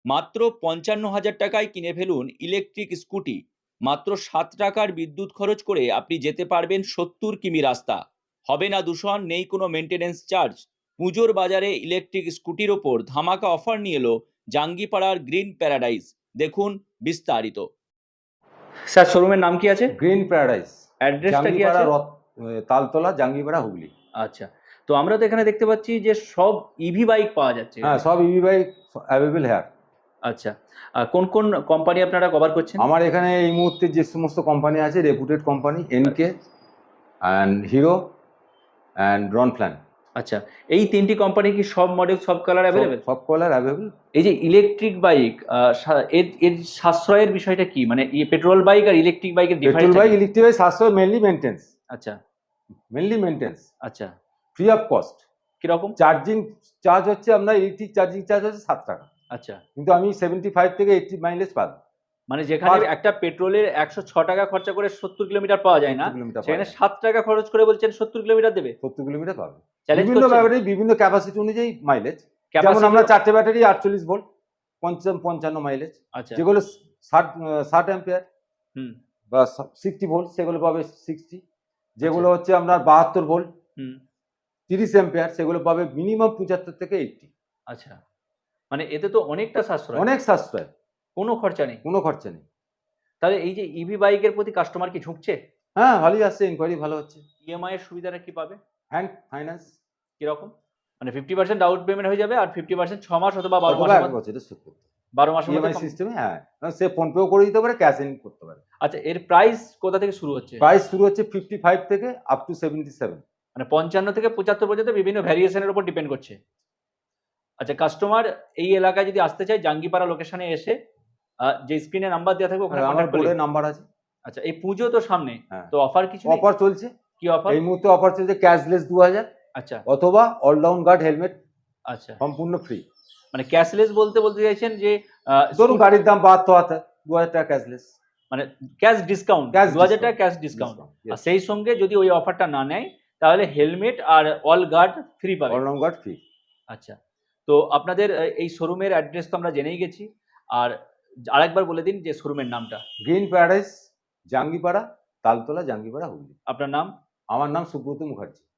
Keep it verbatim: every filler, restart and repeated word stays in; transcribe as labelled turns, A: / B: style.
A: মাত্র পঞ্চান্ন হাজার টাকায় কিনে ফেলুন ইলেকট্রিক স্কুটি। মাত্র সাত টাকার বিদ্যুৎ খরচ করে আপনি যেতে পারবেন সত্তর কিমি রাস্তা। হবে না দূষণ, নেই কোনো মেনটেনেন্স চার্জ। পুজোর বাজারে ইলেকট্রিক স্কুটির ওপর ধামাকা অফার নিয়ে এলো জাঙ্গিপাড়ার গ্রিন প্যারাডাইস। দেখুন বিস্তারিত। স্যার, শোরুমের নাম কি আছে?
B: গ্রিন প্যারাডাইস,
A: অ্যাড্রেসটা কি
B: জাঙ্গিপাড়া
A: আছে?
B: রথ তালতলা, জাঙ্গিপাড়া, হুগলি।
A: আচ্ছা, তো আমরা তো এখানে দেখতে পাচ্ছি যে সব ইভি বাইক পাওয়া যাচ্ছে
B: হ্যাঁ,
A: এখানে।
B: সব ইভি বাইক অ্যাভেলেবল হেয়ার।
A: আচ্ছা, আহ, কোন কোন কোম্পানি আপনারা কভার করছেন?
B: আমার এখানে এই মুহূর্তে যে সমস্ত কোম্পানি আছে, reputed company, NK and Hero and রনফ্ল্যান।
A: আচ্ছা, এই তিনটি কোম্পানি কি সব মডেল, সব কালার অ্যাভেলেবেল?
B: সব কালার অ্যাভেলেবল।
A: এই যে ইলেকট্রিক বাইক, এর এর সাশ্রয়ের বিষয়টা কি? মানে পেট্রোল বাইক আর ইলেকট্রিক বাইকের
B: petrol
A: difference?
B: Bike, electric bike সাশ্রয় মেনলি মেনটেন্স।
A: আচ্ছা,
B: মেনলি মেনটেন্স
A: আচ্ছা,
B: ফ্রি অফ কস্ট।
A: কিরকম?
B: চার্জিং চার্জ হচ্ছে আপনার, ইলেকট্রিক চার্জিং চার্জ হচ্ছে সাত টাকা,
A: আচ্ছা,
B: কিন্তু আমি সেভেন্টি ফাইভ থেকে এইটটি মাইলেজ পাবো।
A: মানে যেখানে
B: পার-
A: একটা পেট্রোলের একশো ছ টাকা খরচা করে সত্তর কিলোমিটার পাওয়া যায় না,
B: সত্তর কিলোমিটার
A: সেখানে
B: পাওয়া যায়।
A: সাত টাকা খরচ করে বলছেন সত্তর কিলোমিটার দেবে।
B: সত্তর কিলোমিটার পাবে।
A: চ্যালেঞ্জ
B: বিভিন্ন
A: করছেন?
B: ব্যাটারি, বিভিন্ন ক্যাপাসিটি অনুযায়ী মাইলেজ। যেমন
A: Capacity-
B: আমরা চারটে ব্যাটারি আটচল্লিশ ভোল্ট, পঞ্চান্ন পঞ্চান্ন মাইলেজ।
A: আচ্ছা,
B: যেগুলো ষাট ষাট অ্যাম্পিয়ার
A: হুম,
B: বা সিক্সটি ভোল্ট, সেগুলো পাবে সিক্সটি। যেগুলো
A: আচ্ছা।
B: হচ্ছে আপনার বাহাত্তর ভোল্ট,
A: হুম,
B: তিরিশ অ্যাম্পিয়ার, সেগুলো পাবে মিনিমাম পঁচাত্তর থেকে এইটটি।
A: আচ্ছা, মানে এতে তো অনেকটা সাশ্রয়,
B: অনেক সাশ্রয়,
A: কোনো খরচা নেই।
B: কোনো খরচা নেই।
A: তাহলে এই যে ইভি বাইকের প্রতি কাস্টমার কি ঝুঁকছে?
B: হ্যাঁ, ভালোই আসছে, ইনকোয়ারি ভালো হচ্ছে।
A: ইএমআই এর সুবিধাটা কি পাবে?
B: হ্যান্ড ফাইন্যান্স
A: কিরকম? মানে ফিফটি পার্সেন্ট ডাউন পেমেন্ট হয়ে যাবে আর ফিফটি পার্সেন্ট ছ মাস অথবা বারো
B: অথবা
A: মাসের
B: এক
A: মধ্যে,
B: বছরের সুদ করতে
A: বারো মাসের মধ্যে
B: ইএমআই
A: কম-
B: সিস্টেমে। হ্যাঁ, সে ফোনপেও করে দিতে পারে, ক্যাশ ইন করতে পারে।
A: আচ্ছা, এর প্রাইস কোথা থেকে শুরু হচ্ছে?
B: প্রাইস শুরু হচ্ছে ফিফটি ফাইভ থেকে আপ টু সেভেন্টি সেভেন।
A: মানে পঞ্চান্ন থেকে পঁচাত্তর পর্যন্ত বিভিন্ন ভ্যারিয়েশনের উপর ডিপেন্ড করছে। আচ্ছা, কাস্টমার এই এলাকায় যদি আসতে চায়, জাঙ্গিপাড়া লোকেশনে এসে আহ, যে স্ক্রিনে নাম্বার দেওয়া থাকবে ওখানে
B: আমার
A: কন্ট্যাক্ট করলে।
B: বোর্ডের নাম্বার আছে।
A: আচ্ছা, এই পুজো তো সামনে,
B: হ্যাঁ।
A: তো অফার কিছু নেই?
B: অফার চলছে
A: কি অফার?
B: এই মুহূর্তে। অফার চলছে ক্যাশলেস দু হাজার,
A: আচ্ছা,
B: অথবা অলরাউন্ড গার্ড হেলমেট
A: আচ্ছা,
B: সম্পূর্ণ ফ্রি।
A: মানে ক্যাশলেস বলতে বলতে চাইছেন যে আহ,
B: ধরুন
A: scooter-
B: গাড়ির দাম বাহাত্তর হাজার, দু হাজার টাকা ক্যাশলেস।
A: মানে ক্যাশ ডিসকাউন্ট,
B: Cash
A: দু হাজার টাকা
B: discount,
A: cash discount.
B: discount, yes.
A: আর সেই সঙ্গে যদি ওই অফারটা না নেয় তাহলে হেলমেট আর অল গার্ড ফ্রি পাবে।
B: All round guard free.
A: আচ্ছা, তো আপনাদের আহ, এই শোরুমের অ্যাড্রেস তো আমরা জেনেই গেছি, আর আরেকবার বলে দিন যে শোরুমের নামটা।
B: Green paradise, Jangipara, Taltala, Jangipara, Hooghly.
A: আপনার নাম?
B: আমার নাম সুব্রত মুখার্জি।